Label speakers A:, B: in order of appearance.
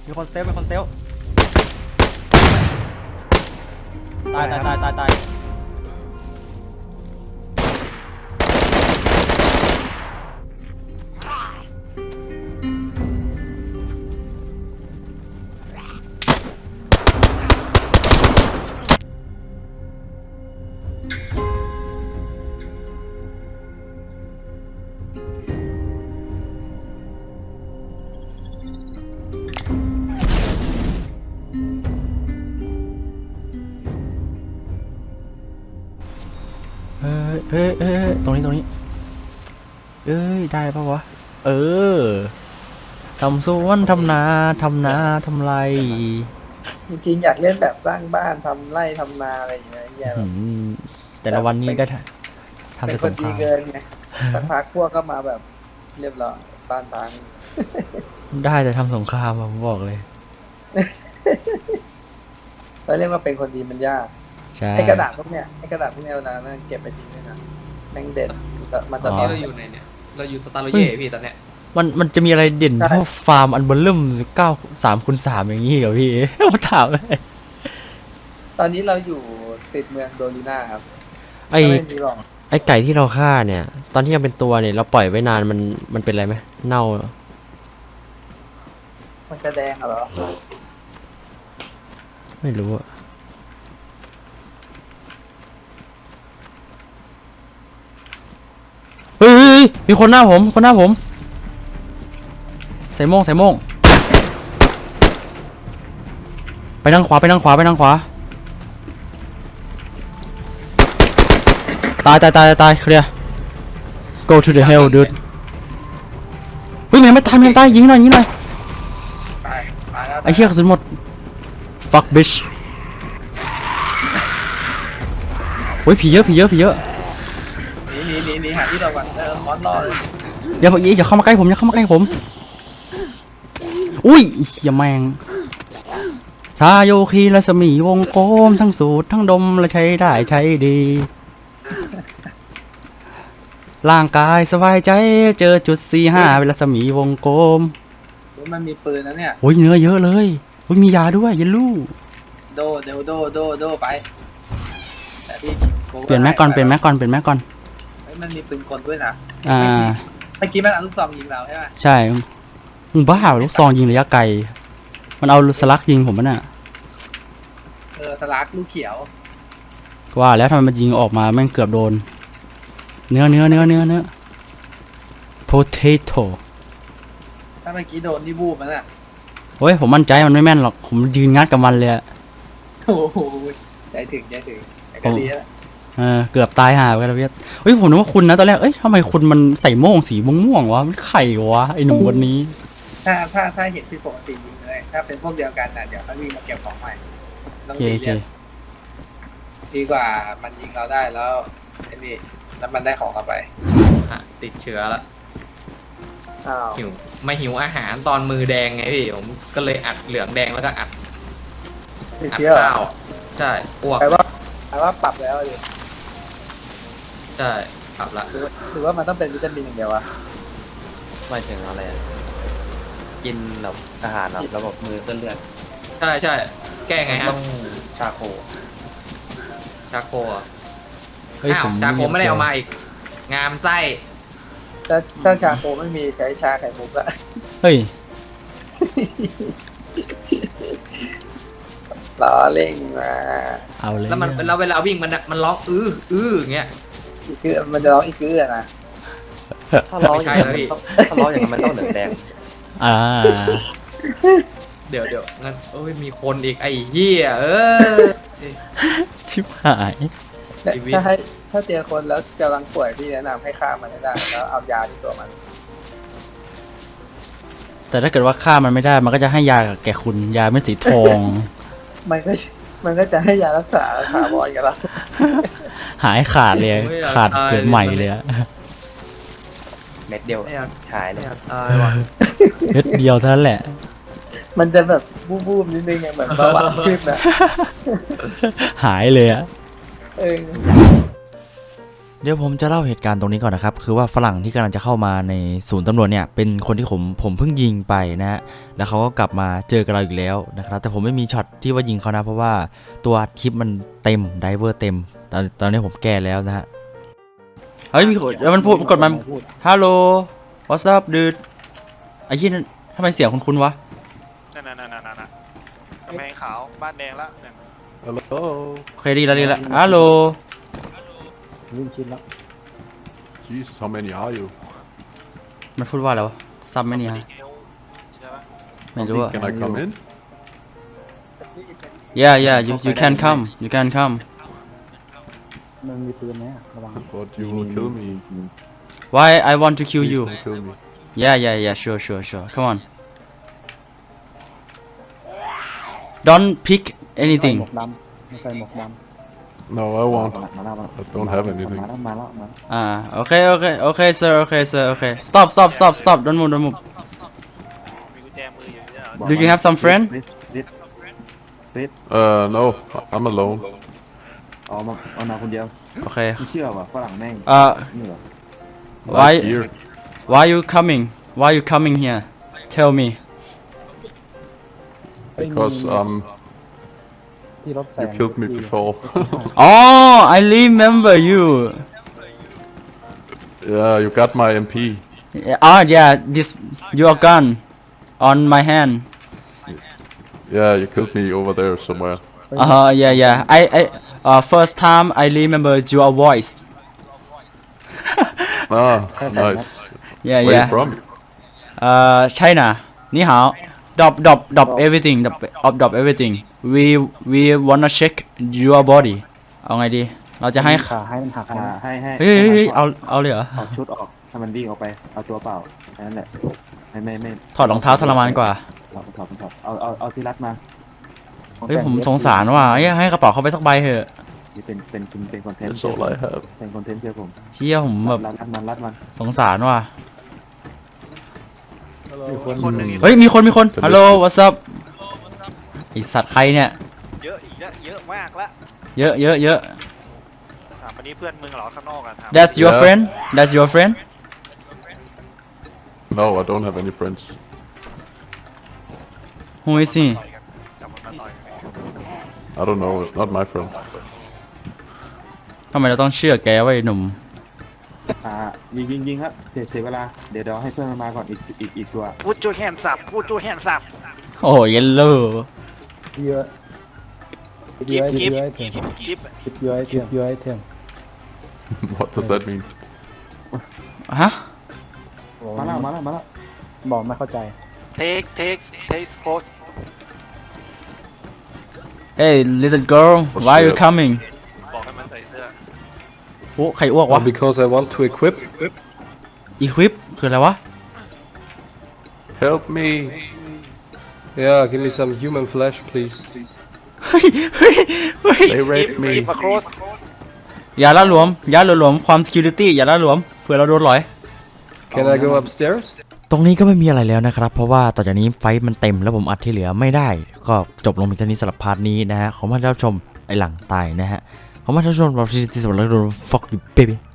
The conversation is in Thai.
A: มีคนเซลตายตรงนี้ได้ปะวะทำสวนทำนาทำไร
B: จริงๆอยากเล่นแบบสร้างบ้านทำไร่ทำนาอะไรอย่างเงี้ย
A: แต่ละวันนี้ได้ทำ
B: เป็
A: แต่
B: นค
A: ส
B: น
A: งค
B: ดี
A: ราม
B: เกินไงสักพักพวกก็มาแบบเรียบร้อยบ้านพัง
A: ได้แต่ทำสงครามผมบอกเลย
B: แล้วเรียกว่าเป็นคนดีมันยาก
A: ใช่
B: ไอ้กระดาษพวกเนี้ยเวลานั้นเก็บไปทิ้งด้วยนะแม่งเด่นมันจะ
C: ตอนนี้เราอยู่ไหนเนี่ยเราอยู่สตาร์โลเย่พี่ตอนเนี้ย
A: มันจะมีอะไรเด่นเท่าฟาร์มอันเบลเริ่ม3x3อย่างนี้เหรอพี่มาถามเลย
B: ตอนนี้เราอยู่ติดเมืองโดลิน่าครับ
D: ไอ้
B: ไม่มีหรอก
D: ไอ้ไก่ที่เราฆ่าเนี่ย ตอนที่ยังเป็นตัวเนี่ยเราปล่อยไว้นานมันเป็นอะไรไหมเน่าเหรอ
B: มันจะแดงเหรอ
D: ไม่รู้อะเฮ้ยมีคนหน้าผมใส่โม่งไปทางขวาตายเคลียร์ go to the hell dude เฮ้ยไม่ตายยิงหน่อย
B: ไปมาแล้ว
D: ไอ้เชี่ยกระสุนหมด fuck bitch โอ้ยผีเยอะ
B: หนีหาที่เราก่อนคอนรอเลย
D: อย่าเข้ามาใกล้ผมอุ้ยเหี้ยแมงทาโยคีรัศมีวงกลมทั้งสูตรทั้งดมและใช้ได้ใช้ดีร่างกายสบายใจเจอจุด45เป็นรัศมีวงกลม
B: มันมีปืนนะเนี่ย
D: โอ้ยเนื้อเยอะเลยโอ้ยมียาด้วยเยลลู
B: โดไปแต่พี่
D: เปลี่ยนแม็กก่อน
B: มันมีปืนกลด้วยนะ
D: อ่า
B: เมื่อกี้มันเอาลูกซองยิงเราใช่ไหม
D: ใช่มึงบ้าเหรอลูกซองยิงระยะไกลมันเอาสลักยิงผมมันน่ะ
B: สลักลูกเขียว
D: ว่าแล้วทำไมมันยิงออกมาแม่งเกือบโดนเนื้อ potato
B: ถ้าเมื่อกี้โดนนี่บูบมันอ่ะ
D: โอ้ยผมมั่นใจมันไม่แม่นหรอกผมยืนงัดกับมันเลยอะ
B: โอ้โหใจถึงแต่ก็ดีแล้ว
D: เกือบตายห่าไปแล้วเพียเฮ้ยผมนึกว่าคุณนะตอนแรกเอ้ยทำไมคุณมันใส่โม่งสีม่วงๆวะมันไข่วะไอหนุ่มคนนี้
B: ถ้าเห็นผิดปกติยิงเลยถ้าเป็นพวกเดียวกันน่ะเดี๋ยวเขาวิ่งมาเก็บของใหม่ต้อง
D: โอเค
B: ดีกว่ามันยิงเราได้แล้วไอ้นี่แล้วมันได้ของกลับไป
C: ติดเชื้อแล้ว
B: อ้าว
C: หิวอาหารตอนมือแดงไงพี่ผมก็เลยอัดเหลืองแดงแล้วก็อัด
B: ติดเชื้อเหรอ
C: ข้าวใช่อ้วก
B: แปลว่าปรับแล้วดิ
C: ใช่ปรับละ
B: หรือว่ามันต้องเป็นวิตามินอย่างเดียววะ
E: หมายถึงอะไรอะกินแบบอาหารแบบระบบมือเส้นเลือด
C: ใช่แก้ไงฮะ
E: ต้องชาโค
C: ชาโคอ่ะ
D: เฮ้ย
C: อ้าว
D: ผม
C: ชาโคไม่ได้เอามาอีก งามไส้
B: ถ้าชาโคไม่มีใช้ชาไข่มุกอะ
D: เฮ้ย
B: ล้อเล่งมา
D: เอาเลย
C: แล้วเวลาวิ่งมันร้องอย่างเงี้ย
B: อีกคือมันจะร้องอีกคืออะนะ
E: ถ้าร้อง
C: ไม่ใช่
E: อย่าง
C: แล้วพี่
E: ถ้าร้องอย่างนั้นมันต้องเหลืองแดง
D: อ่า
C: เดี๋ยวงั้นเอ้ยมีคนอีกไอ้เหี้ย
D: ชิบหาย
C: ชีวิต
B: ถ้าเจอคนแล้วกำลังป่วยพี่แนะนำให้ฆ่ามันให้ได้แล้วเอายาที่ตัวมัน
D: แต่ถ้าเกิดว่าฆ่ามันไม่ได้มันก็จะให้ยากับแกคุณยาเม็ดสีทอง
B: มันก็จะให้ยารักษาถาวรกับเรา
D: หายขาดเลยขาดเกิดใหม่เลยอะ
E: เม็ดเดียว
C: ไม่อยาก
E: หายเลย
C: ตายว่ะ
D: เม็ดเดียวเท่านั้นแหละ
B: มันจะแบบบูบๆนิดนึงอย่างแบบเบาหวานขึ้นนะ
D: หายเลยอะ
B: เออ
A: เดี๋ยวผมจะเล่าเหตุการณ์ตรงนี้ก่อนนะครับคือว่าฝรั่งที่กำลังจะเข้ามาในศูนย์ตำรวจเนี่ยเป็นคนที่ผมเพิ่งยิงไปนะฮะแล้วเขาก็กลับมาเจอกับเราอีกแล้วนะครับแต่ผมไม่มีช็อตที่ว่ายิงเขานะเพราะว่าตัวคลิปมันเต็มไดเวอร์เต็มตอนนี้ผมแก้แล้วนะฮะเฮ้ยมีคนแล้วมันพูดกดมันฮัลโหล what's up dude ไอ้ยี่นั่นทำไมเสียงคุ้นๆวะ
F: นั่นกำแพงขาวบ้านแดงละนั่น
G: Hello.
A: โอเคดีแล้วฮัลโหล
G: Jesus, how many are you?
A: มันพูดว่าอะไรวะซับไหมเนี่ยฮะ
F: ใช่ปะ
A: ไม่รู้อะ
G: Can I come in?
A: yeah you can come you can come
G: But you will kill me.
A: why I want to kill
G: Please
A: you
G: don't kill me.
A: yeah sure come on don't pick anything
G: No, I won't. I don't have anything.
A: okay sir okay stop don't move
F: มีกุญแจมืออยู่เนี่ยเหรอ
A: do you have some friend
G: No, I'm alone.
H: เอามาคนเดียว
A: okay
H: ไม่เชื่อว่ะฝรั่งแม่ง นี่เหรอ
G: Like here.
A: why you coming here tell me
G: Because you killed me before.
A: oh I remember you
G: Yeah, you got my MP.
A: yeah this your gun on my hand
G: Yeah, you killed me over there somewhere.
A: yeah I first time I remember your voice
G: Ah, nice.
A: yeah
G: Where
A: yeah
G: you from?
A: China 你好 drop everything drop everything we wanna check your body เอาไงดีเราจะให้
H: ให้
A: เฮ้ยเอาเลยเหรอ
H: เอาชุดออกถ้ามันวิ่งออกไป เอาตัวเปล่าแค่นั้นแหละ ไม่
A: ถอดรองเท้าทรมานกว่า
H: ถอดเอาที่รัดมา
A: เฮ้ยผมสงสารว่ะให้กระเป๋าเขาไปสักใบเถอะ
H: นี่เป็นคอนเทนต์
G: That's all I have.
H: เป็นคอนเทนต์เชื่อผม
A: เชี่ยผมแบบ
H: รัดมัน
A: สงสารว่ะ
F: คนหนึ่ง
A: เฮ้ยมีคนฮัลโหล what's up ไอสัตว์ใครเนี่ย
F: เยอะอีกแล้วเยอะมากละ
A: เยอะ
F: ถามวันนี้เพื่อนมึงเหรอข้างนอกอะถาม
A: that's your
G: Yeah.
A: friend
G: No, I don't have any friends.
A: who is he
F: จับมันมาต่อยกัน
G: I don't know. It's not my friend.
A: ทำไมเราต้องเชื่อแกวะไอ้หนุ่ม
H: ยิงครับเสียเวลา เดี๋ยวให้เพื่อนมันมาก่อนอีกตัว
F: พูดจูแฮนสับพูดจูแฮนสับ
A: โอ้เยลโล่
F: กิฟ
G: What does that mean?
A: ฮะ
H: มาแล้ว
F: take post
A: hey little girl why you
G: shit.
A: coming
F: บอกให้มันใส่เสื้อ
A: โอ้ใครอ้วกวะ
I: Because I want to equip.
A: equip คืออะไรวะ
G: Help me.
I: Yeah, give me some human flesh, please.
A: เฮ้ย
G: They raped me.
F: มาโครส
A: อย่าละหลวมความ security อย่าละหลวมเผื่อเราโดนหลอย
I: Can I go upstairs?
A: ตรงนี้ก็ไม่มีอะไรแล้วนะครับเพราะว่าต่อจากนี้ไฟท์มันเต็มแล้วผมอัดที่เหลือไม่ได้ก็จบลงเพียงเท่านี้สำหรับพาร์ทนี้นะฮะขอมารับชมไอหลังตายนะฮะขอมารับชมเราที่สุดแล้วโดน fuck you baby